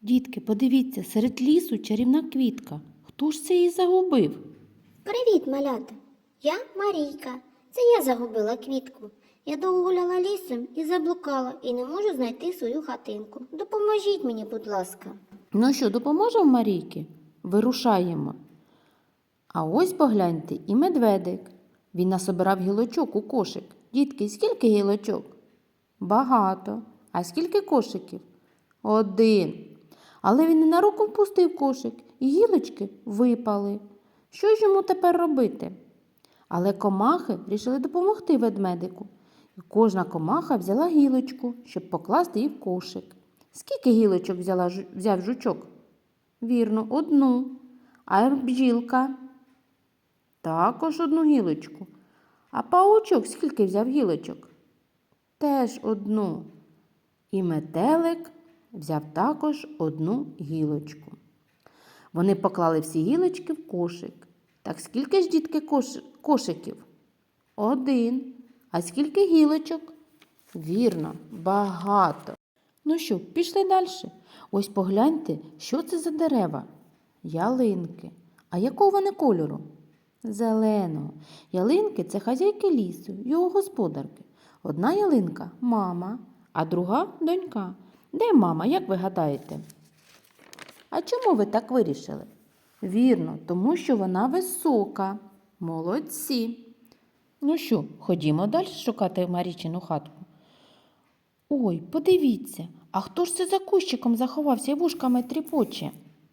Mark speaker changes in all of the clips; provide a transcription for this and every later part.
Speaker 1: Дітки, подивіться, серед лісу чарівна квітка. Хто ж це її загубив?
Speaker 2: Привіт, малята! Я Марійка. Це я загубила квітку. Я довго гуляла лісом і заблукала, і не можу знайти свою хатинку. Допоможіть мені, будь ласка.
Speaker 1: Ну що, допоможемо Марійки? Вирушаємо. А ось погляньте і медведик. Він насобирав гілочок у кошик. Дітки, скільки гілочок? Багато. А скільки кошиків? 1. Але він ненароком впустив кошик, і гілочки випали. Що ж йому тепер робити? Але комахи вирішили допомогти ведмедику. І кожна комаха взяла гілочку, щоб покласти її в кошик. Скільки гілочок взяв жучок? Вірно, 1. А бджілка? Також 1 гілочку. А паучок скільки взяв гілочок? Теж 1. І метелик взяв також 1 гілочку. Вони поклали всі гілочки в кошик. Так скільки ж, дітки, кошиків? 1. А скільки гілочок? Вірно, багато. Ну що, пішли далі. Ось погляньте, що це за дерева. Ялинки. А якого вони кольору? Зеленого. Ялинки – це хазяйки лісу, його господарки. Одна ялинка – мама, а друга – донька. Де мама, як ви гадаєте? А чому ви так вирішили? Вірно, тому що вона висока. Молодці. Ну що, ходімо далі шукати Марічину хатку. Ой, подивіться, а хто ж це за кущиком заховався і вушками тріпоче?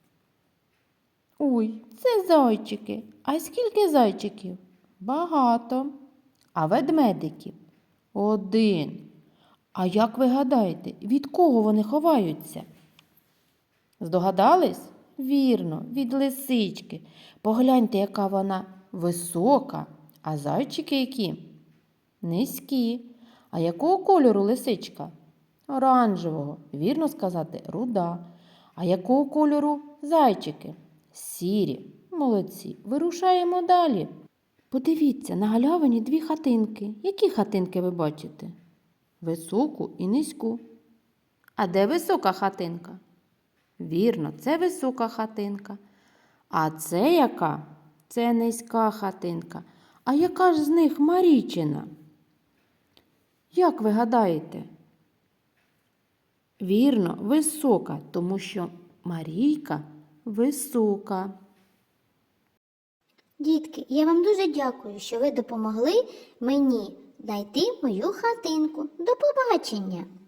Speaker 1: Ой, це зайчики. А скільки зайчиків? Багато. А ведмедиків? 1. А як ви гадаєте, від кого вони ховаються? Здогадались? Вірно, від лисички. Погляньте, яка вона висока, а зайчики які? Низькі. А якого кольору лисичка? Оранжевого. Вірно сказати, руда. А якого кольору зайчики? Сірі. Молодці. Вирушаємо далі. Подивіться, на галявині 2 хатинки. Які хатинки ви бачите? Високу і низьку. А де висока хатинка? Вірно, це висока хатинка. А це яка? Це низька хатинка. А яка ж з них Марічина? Як ви гадаєте? Вірно, висока, тому що Марійка висока.
Speaker 2: Дітки, я вам дуже дякую, що ви допомогли мені знайти мою хатинку. До побачення!